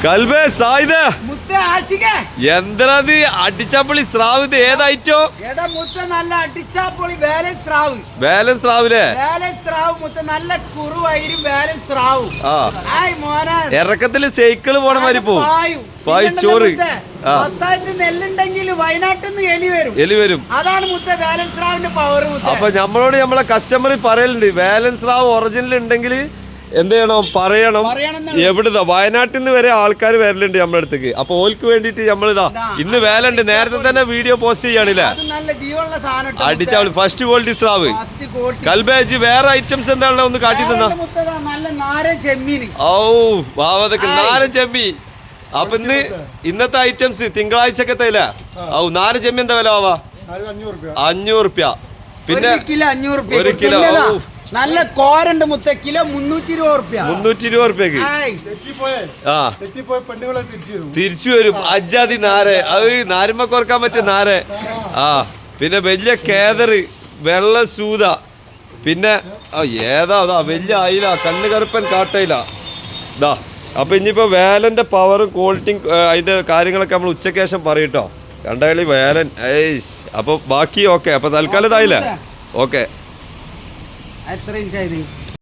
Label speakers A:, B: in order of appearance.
A: കൽബേ സായിദ എന്തത് അടിച്ചാപ്പൊളി സ്രാവ് ഇത് ഏതായിട്ടോ
B: നല്ല അടിച്ചാപ്പൊളി ബാലൻസ് സ്രാവ്
A: ബാലൻസ് സ്രാവില്ലേ
B: ബാലൻസ് സ്രാവ് മുത്ത നല്ല കുറുവൈരും ബാലൻസ് സ്രാവ്
A: ഇറക്കത്തില് സൈക്കിള് പോണ മാതിരി പോവും ചോറ്
B: നെല്ലുണ്ടെങ്കിൽ വയനാട്ടിൽ നിന്ന്
A: എലി വരും
B: അതാണ് മുത്ത ബാലൻസ് സ്രാവിന്റെ പവർ.
A: അപ്പൊ നമ്മളോട് നമ്മളെ കസ്റ്റമർ പറയലുണ്ട് ബാലൻസ് സ്രാവ് ഒറിജിനൽ ഉണ്ടെങ്കിൽ എന്ത് ചെയ്യണം പറയണം. എവിടുന്നാ വയനാട്ടിൽ നിന്ന് വരെ ആൾക്കാർ വരലുണ്ട് നമ്മുടെ അടുത്തേക്ക്. അപ്പൊ ഓൽക്ക് വേണ്ടിട്ട് നമ്മളിതാ ഇന്ന് വേലുണ്ട് നേരത്തെ തന്നെ വീഡിയോ പോസ്റ്റ് ചെയ്യാണില്ലേ അടിച്ചാളി ഫസ്റ്റ് ക്വാളിറ്റി സ്രാവ് കൽബേജ്. വേറെ ഐറ്റംസ് എന്താണല്ലോ ഒന്ന് കാട്ടി തന്നാ. ഓ വാവതൊക്കെ നാരൻ ചെമ്മി. അപ്പൊ ഇന്നത്തെ ഐറ്റംസ് തിങ്കളാഴ്ചക്കത്തെ ഇല്ല. ഓ നാരൻ ചെമ്മി എന്താ വില ആവാ? 500 റുപ്യ. പിന്നെ 1 കിലോ
B: നല്ല കോരണ്ട് മുത്ത കിലോ 320
A: റുപ്യക്ക് തിരിച്ചു വരും. അജാതി നാരെ അത് നാരുമ്മ കുറക്കാൻ പറ്റും നാരെ. പിന്നെ വലിയ കേദറ് വെള്ള സൂത. പിന്നെ ഏതാ വലിയ അയില കണ്ണ് കറുപ്പൻ കാട്ടയില ഇതാ. അപ്പൊ ഇനിയിപ്പോ വേലന്റെ പവറും ക്വാളിറ്റിയും അതിന്റെ കാര്യങ്ങളൊക്കെ നമ്മൾ ഉച്ചയ്ക്ക് ശേഷം പറയട്ടോ. കണ്ടകളി വേലൻ. അപ്പൊ ബാക്കി ഓക്കെ. അപ്പൊ തൽക്കാലം ഇതായില്ലേ? ഓക്കെ.
B: എത്ര ഇഞ്ചായത്?